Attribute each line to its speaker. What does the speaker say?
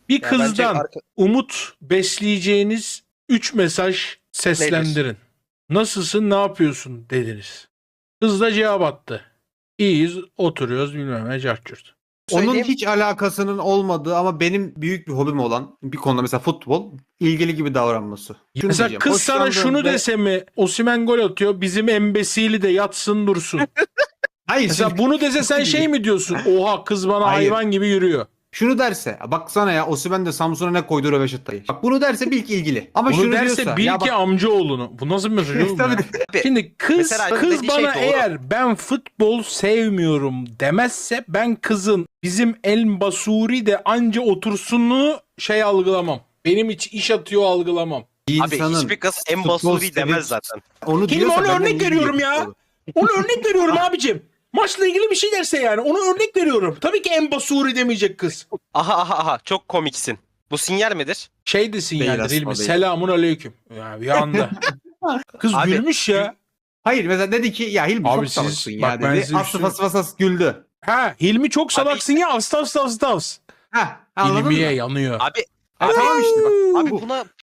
Speaker 1: Bir
Speaker 2: Ya bence
Speaker 1: kızdan umut besleyeceğiniz 3 mesaj seslendirin. Nasılsın, ne yapıyorsun dediniz. Kız da cevap attı. İyiyiz, oturuyoruz bilmem ne cahçurt.
Speaker 3: Onun
Speaker 2: söyleyeyim.
Speaker 3: hiç alakasının olmadığı ama benim büyük bir hobim olan bir konuda mesela futbol ilgili gibi davranması. Şunu
Speaker 1: Mesela
Speaker 3: diyeceğim,
Speaker 1: kız sana
Speaker 3: hoşlandığım
Speaker 1: şunu
Speaker 3: ve-
Speaker 1: dese mi? Osimhen gol atıyor, bizim embesili de yatsın dursun.
Speaker 3: Hayır,
Speaker 1: Mesela
Speaker 3: şimdi-
Speaker 1: bunu dese sen şey mi diyorsun? Oha kız bana
Speaker 3: Hayır.
Speaker 1: hayvan gibi yürüyor.
Speaker 3: Şunu derse baksana ya Osimhen de Samsun'a ne koydu röveşatayı. Bak bunu derse bil ki ilgili. Ama
Speaker 1: Bunu
Speaker 3: şunu
Speaker 1: derse
Speaker 3: diyorsa
Speaker 1: bil
Speaker 3: ya
Speaker 1: ki
Speaker 3: bak,
Speaker 1: amcaoğlunu. Bu nasıl bir mesaj oğlum
Speaker 3: Tabii.
Speaker 1: ya?
Speaker 2: Abi,
Speaker 1: Şimdi kız
Speaker 2: mesela dediği şey
Speaker 1: bana
Speaker 2: doğru.
Speaker 1: eğer ben futbol sevmiyorum demezse ben kızın bizim El Basuri de anca otursununu şey algılamam. Benim hiç iş atıyor algılamam.
Speaker 3: bir
Speaker 2: Abi
Speaker 3: insanın
Speaker 2: hiçbir kız en
Speaker 3: futbol
Speaker 2: basuri
Speaker 3: sevip-
Speaker 2: demez zaten.
Speaker 3: Onu
Speaker 1: Hilmi
Speaker 3: diyorsa
Speaker 1: ona
Speaker 3: benden
Speaker 1: örnek
Speaker 3: iyi
Speaker 1: veriyorum
Speaker 3: biliyor
Speaker 1: ya.
Speaker 3: futbolu.
Speaker 1: Onu örnek veriyorum abicim. Maçla ilgili bir şey derse yani. Onu örnek veriyorum. Tabii ki En Basuri demeyecek kız.
Speaker 2: Aha çok komiksin. Bu sinyal midir?
Speaker 1: Şey de sinyaldir
Speaker 3: aslında
Speaker 1: Hilmi.
Speaker 3: değil.
Speaker 1: Selamun aleyküm. Ya bir anda. Kız
Speaker 2: Abi,
Speaker 1: gülmüş ya.
Speaker 3: Hayır mesela dedi ki ya Hilmi
Speaker 1: Abi
Speaker 3: çok
Speaker 1: siz-
Speaker 3: salaksın
Speaker 1: bak
Speaker 3: ya
Speaker 1: ben
Speaker 3: dedi.
Speaker 1: size bir
Speaker 3: Aslı
Speaker 1: şey-
Speaker 3: fas güldü.
Speaker 1: Ha Hilmi çok salaksın ya. Astavs.
Speaker 3: Heh, anladın
Speaker 1: Hilmiye
Speaker 3: mı?
Speaker 1: yanıyor.
Speaker 2: Abi
Speaker 3: Tamam işte bak.
Speaker 2: abi
Speaker 3: Bu-
Speaker 2: buna